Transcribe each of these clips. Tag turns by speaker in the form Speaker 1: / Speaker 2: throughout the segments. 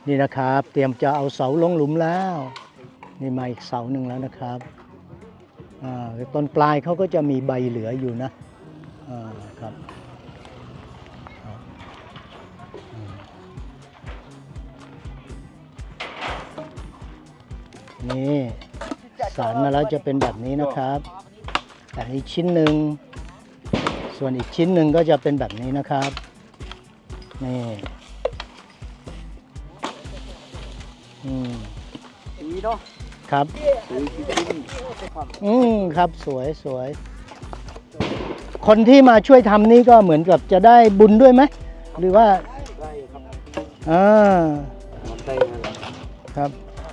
Speaker 1: นี่นะครับเตรียมจะเอาเสาลงหลุมแล้วนี่มาอีกเสาหนึ่งแล้วนะครับต้นปลายเขาก็จะมีใบเหลืออยู่นะครับนี่สารมาแล้วจะเป็นแบบนี้นะครับแต่อีกชิ้นหนึ่งส่วนอีกชิ้นหนึ่งก็จะเป็นแบบนี้นะครับนี่
Speaker 2: ดีเนาะ
Speaker 1: ครับครับสวยสวยคนที่มาช่วยทำนี่ก็เหมือนกับจะได้บุญด้วยไหมหรือว่า
Speaker 2: ได้ครับ
Speaker 1: ได้ครับ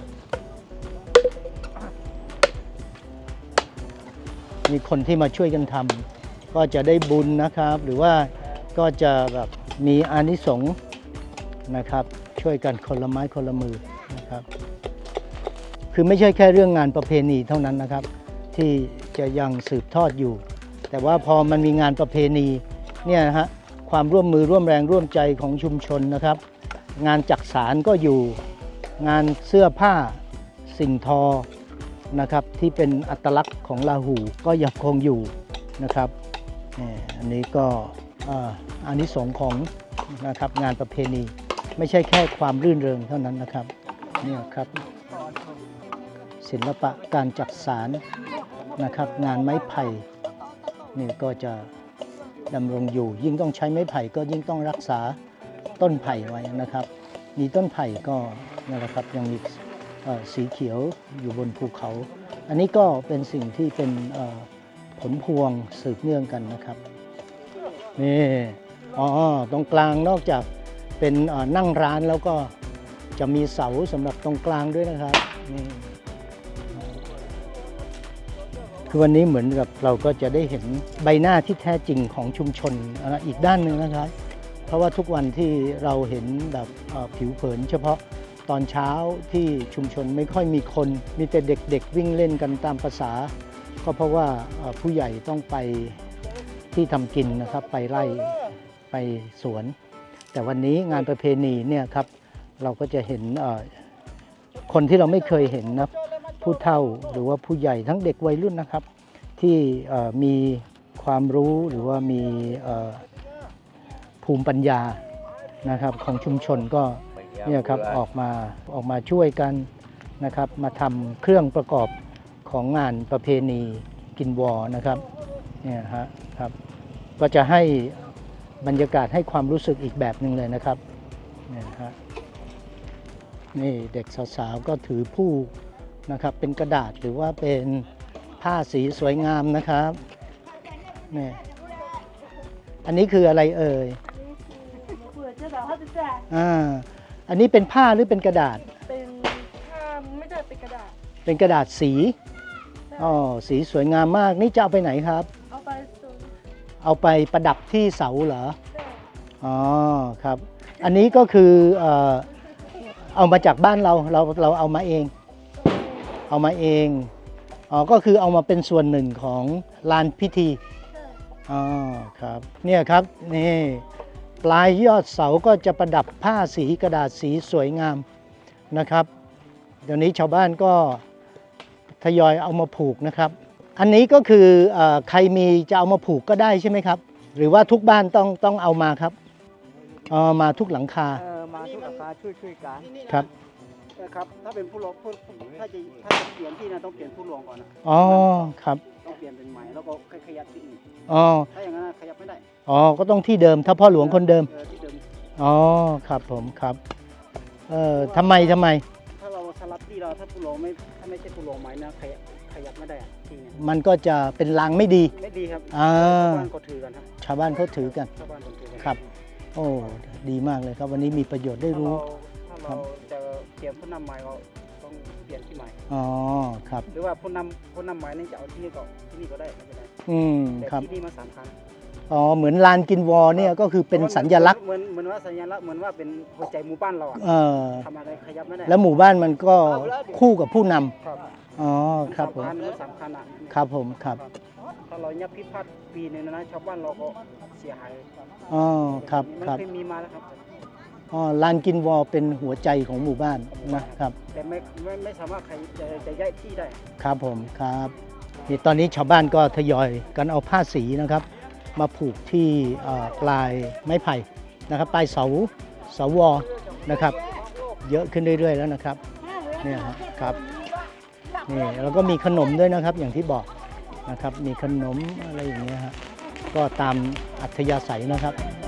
Speaker 1: มีคนที่มาช่วยกันทำก็จะได้บุญนะครับหรือว่าก็จะแบบมีอานิสงส์นะครับช่วยกันคนละไม้คนละมือนะครับคือไม่ใช่แค่เรื่องงานประเพณีเท่านั้นนะครับที่จะยังสืบทอดอยู่แต่ว่าพอมันมีงานประเพณีเนี่ยนะฮะความร่วมมือร่วมแรงร่วมใจของชุมชนนะครับงานจักสานก็อยู่งานเสื้อผ้าสิ่งทอนะครับที่เป็นอัตลักษณ์ของลาหูก็ยังคงอยู่นะครับอันนี้ก็อานิสงส์ของนะครับงานประเพณีไม่ใช่แค่ความรื่นเริงเท่านั้นนะครับเนี่ยครับศิลปะการจักสานนะครับงานไม้ไผ่นี่ก็จะดำรงอยู่ยิ่งต้องใช้ไม้ไผ่ก็ยิ่งต้องรักษาต้นไผ่ไว้นะครับมีต้นไผ่ก็นั่นแหละครับยังมีสีเขียวอยู่บนภูเขาอันนี้ก็เป็นสิ่งที่เป็นผลพวงสืบเนื่องกันนะครับนี่ตรงกลางนอกจากเป็นนั่งร้านแล้วก็จะมีเสาสำหรับตรงกลางด้วยนะครับนี่คือวันนี้เหมือนกับเราก็จะได้เห็นใบหน้าที่แท้จริงของชุมชนอีกด้านหนึ่งนะครับเพราะว่าทุกวันที่เราเห็นแบบผิวเผินเฉพาะตอนเช้าที่ชุมชนไม่ค่อยมีคนมีแต่เด็กๆวิ่งเล่นกันตามภาษาก็เพราะว่าผู้ใหญ่ต้องไปที่ทำกินนะครับไปไร่ไปสวนแต่วันนี้งานประเพณีเนี่ยครับเราก็จะเห็นคนที่เราไม่เคยเห็นนะผู้เฒ่าหรือว่าผู้ใหญ่ทั้งเด็กวัยรุ่นนะครับที่มีความรู้หรือว่ามีภูมิปัญญานะครับของชุมชนก็เนี่ยครับออกมาช่วยกันนะครับมาทำเครื่องประกอบของงานประเพณีกินวอนะครับเนี่ยครับก็จะให้บรรยากาศให้ความรู้สึกอีกแบบหนึ่งเลยนะครับเนี่ยฮะนี่เด็กสาวๆก็ถือผู้นะครับเป็นกระดาษหรือว่าเป็นผ้าสีสวยงามนะครับนี่อันนี้คืออะไรเอ่ยอันนี้เป็นผ้าหรือเป็นกระดาษ
Speaker 3: เป็นผ้าไม่ได้เป็นกระดาษ
Speaker 1: เป็นกระดาษสีสีสวยงามมากนี่จะเอาไปไหนครับเอาไปประดับที่เสาเหรอครับอันนี้ก็คือเอามาจากบ้านเราเอามาเองก็คือเอามาเป็นส่วนหนึ่งของลานพิธีครับเนี่ยครับนี่ปลายยอดเสาก็จะประดับผ้าสีกระดาษสีสวยงามนะครับเดี๋ยวนี้ชาวบ้านก็ทยอยเอามาผูกนะครับอันนี้ก็คือใครมีจะเอามาผูกก็ได้ใช่ไหมครับหรือว่าทุกบ้านต้องเอามาครับมาทุกหลังคา
Speaker 2: มาทุกหลังคาช่วยกัน
Speaker 1: ครับ
Speaker 2: นะครับถ้าเป็นผู้หลวงถ้าจะเปลี่ยนที่นะต้องเปลี่ยนผู้หลวงก่อนนะ
Speaker 1: ครับ
Speaker 2: ต้องเปลี่ยนเป็นใหม่แล้วก็ขยับที่อื่นถ้าอย่างนั้นขยับไม่ได้
Speaker 1: ก็ต้องที่เดิมถ้าพ่อหลวงคนเดิม
Speaker 2: ที่เดิม
Speaker 1: ครับผมครับทำไม
Speaker 2: ถ้าเราสลับที่เราถ้าผู้หลวงถ้าไม่ใช่ผู้หลวงใหม่นะขยับไม่ได้ที่นี่
Speaker 1: มันก็จะเป็นลางไม่ดี
Speaker 2: ครับชาวบ้านก็ถือกันครับ
Speaker 1: ชาวบ้านเขาถือกันครับโอ้ดีมากเลยครับวันนี้มีประโยชน์ได้รู้
Speaker 2: ถ้าเราจะเปลี่ยนผู้นำใหม่ก็ต้องเปลี่ยนที่ใหม่
Speaker 1: ครับ
Speaker 2: หรือว่าผู้นำใหม่นี่จะเอาที่นี่ก็ได้ไม่เป็นไร
Speaker 1: ครับ
Speaker 2: ที่นี่มา3 ครั้ง
Speaker 1: เหมือนลานกินวอเนี่ยก็คือเป็นสัญลักษณ์
Speaker 2: เหมือนว่าสัญลักษณ์เหมือนว่าเป็นหัวใจหมู่บ้านเราทำอะไรขยับไม่ได้
Speaker 1: แล้วหมู่บ้านมันก็คู่กับผู้นำครับผม
Speaker 2: สำคัญ
Speaker 1: ครับผมครับ
Speaker 2: ถ้าเรายับพิพัฒน์ปีนึงนะชาวบ้านเราก็เสียหาย
Speaker 1: ครับ
Speaker 2: มันเคยมีมาแล้วครับ
Speaker 1: ลานกินวอเป็นหัวใจของหมู่บ้านนะครับ
Speaker 2: แต่ไม่สามารถใครจะย้ายที่ได้
Speaker 1: ครับผมครับนี่ตอนนี้ชาวบ้านก็ทยอยกันเอาผ้าสีนะครับ มาผูกที่ปลายไม้ไผ่นะครับปลายเสาวอนะครับ เยอะขึ้นเรื่อยๆแล้วนะครับเนี่ยครับนี่แล้วก็มีขนมด้วยนะครับอย่างที่บอกนะครับมีขนมอะไรอย่างเงี้ยฮะก็ตามอัธยาศัยนะครับ